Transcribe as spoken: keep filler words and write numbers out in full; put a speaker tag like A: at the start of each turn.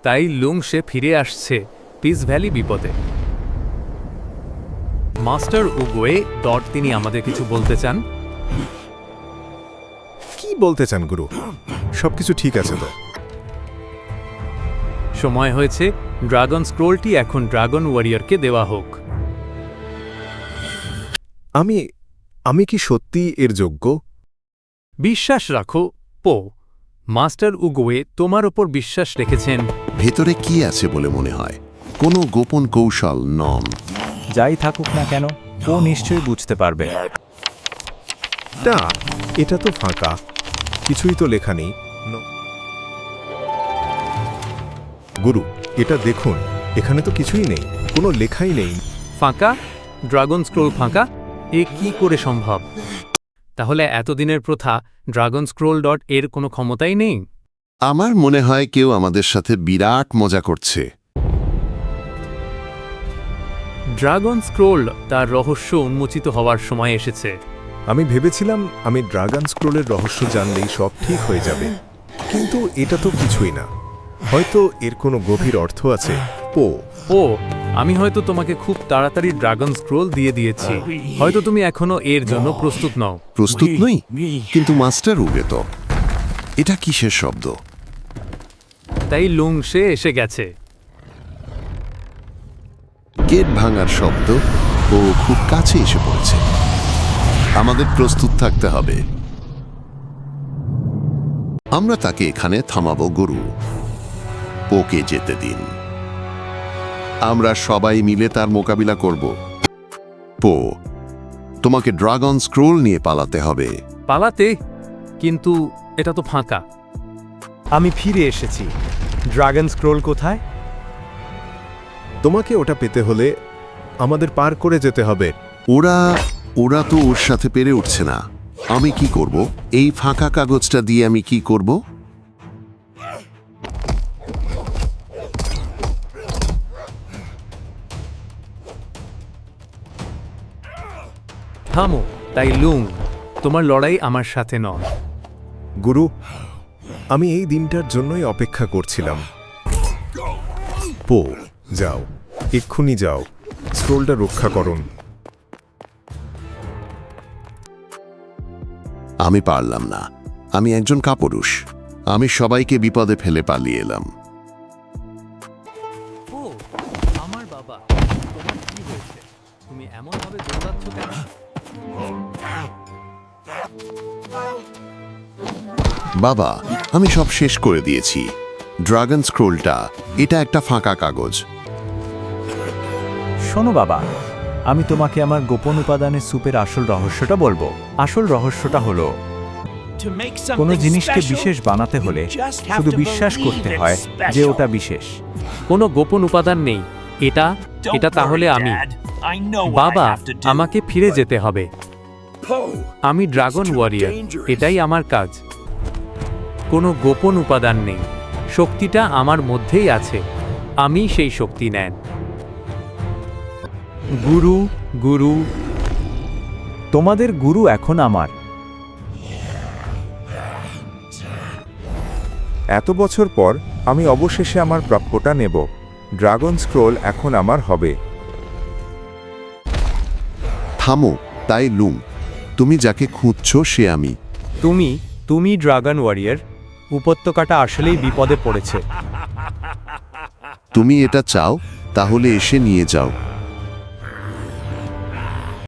A: তাই লুং সে ফিরে আসছে পিস ভ্যালি বিপদে। মাস্টার উগুয়ে ডট তিনি আমাদের কিছু বলতে চান।
B: কি বলতে চান গুরু? সবকিছু ঠিক আছে তো?
A: সময় হয়েছে ড্রাগন স্ক্রোলটি এখন ড্রাগন ওয়ারিয়রকে দেওয়া হোক।
B: আমি আমি কি সত্যি এর যোগ্য?
A: বিশ্বাস রাখো পো। মাস্টার উগুয়ে তোমার ওপর বিশ্বাস রেখেছেন।
C: ভেতরে কি আছে বলে মনে হয়? কোনো গোপন কৌশল নন।
D: যাই থাকুক না কেন, ও নিশ্চয়ই বুঝতে পারবে।
B: না, এটা তো ফাঁকা, কিছুই তো লেখা নেই। গুরু, এটা দেখুন, এখানে তো কিছুই নেই, কোনো লেখাই নেই।
A: ফাঁকা? ড্রাগন স্ক্রোল ফাঁকা? এ কি করে সম্ভব? তাহলে এতদিনের প্রথা ড্রাগন স্ক্রোল ডট এর কোনো ক্ষমতাই নেই?
C: আমার মনে হয় কেউ আমাদের সাথে বিরাট মজা করছে।
A: ড্রাগন স্ক্রোল তার রহস্য উন্মোচিত হওয়ার সময় এসেছে।
B: আমি ভেবেছিলাম আমি ড্রাগন স্ক্রোলের রহস্য জানলেই সব ঠিক হয়ে যাবে, কিন্তু এটা তো কিছুই না। হয়তো এর কোনো গভীর অর্থ আছে। পো
A: ও, আমি হয়তো তোমাকে খুব তাড়াতাড়ি ড্রাগন স্ক্রোল দিয়ে দিয়েছি। হয়তো তুমি এখনো এর জন্য প্রস্তুত নও।
C: প্রস্তুত নই? কিন্তু মাস্টার উগে তো। এটা কিসের শব্দ?
A: তাই লুং সে এসে গেছে।
C: গেট ভাঙার শব্দ। ও খুব কাছে এসে পড়েছে। আমাদের প্রস্তুত থাকতে হবে। আমরা তাকে এখানে থামাবো গুরু। ওকে যেতে দিন। আমরা সবাই মিলে তার মোকাবিলা করব। পো, তোমাকে ড্রাগন স্ক্রোল নিয়ে পালাতে হবে।
A: পালাতে? কিন্তু এটা তো ফাঁকা।
D: আমি ফিরে এসেছি। ড্রাগন স্ক্রোল কোথায়?
B: তোমাকে ওটা পেতে হলে আমাদের পার করে যেতে হবে।
C: ওরা ওরা তো ওর সাথে পেরে উঠছে না। আমি কি করব? এই ফাঁকা কাগজটা দিয়ে আমি কি করব?
A: থামো। তাই লুং, তোমার লড়াই আমার সাথে নয়।
B: গুরু, আমি এই দিনটার জন্যই অপেক্ষা করছিলাম। পো, যাও, এক্ষুনি যাও, স্ক্রোলটা রক্ষা করুন।
C: আমি পারলাম না। আমি একজন কাপুরুষ। আমি সবাইকে বিপদে ফেলে পালিয়ে এলাম।
A: ও, আমার বাবা, তোমার কি হয়েছে? তুমি এমন ভাবে দৌড়াচ্ছ কেন?
C: বাবা, আমি সব শেষ করে দিয়েছি। ড্রাগন স্ক্রোলটা, এটা একটা ফাঁকা কাগজ।
D: শোনো বাবা, আমি তোমাকে আমার গোপন উপাদানের স্যুপের আসল রহস্যটা বলবো। আসল রহস্যটা হলো, কোনো জিনিসকে বিশেষ বানাতে হলে শুধু বিশ্বাস করতে হয় যে ওটা বিশেষ।
A: কোনো গোপন উপাদান নেই। এটা এটা তাহলে আমি। বাবা, আমাকে ফিরে যেতে হবে। আমি ড্রাগন ওয়ারিয়র, এটাই আমার কাজ। কোনো গোপন উপাদান নেই। শক্তিটা আমার মধ্যেই আছে। আমি সেই শক্তি নেন। গুরু গুরু
D: তোমাদের গুরু এখন আমার।
E: এত বছর পর আমি অবশেষে আমার প্রাপ্যটা নেব। ড্রাগন স্ক্রোল এখন আমার হবে।
C: থামো, তাই লুং, তুমি যাকে খুঁজছ সে আমি।
D: তুমি তুমি ড্রাগন ওয়ারিয়র। উপত্যকাটা আসলেই বিপদে পড়েছে।
C: তুমি এটা চাও, তাহলে এসে নিয়ে যাও।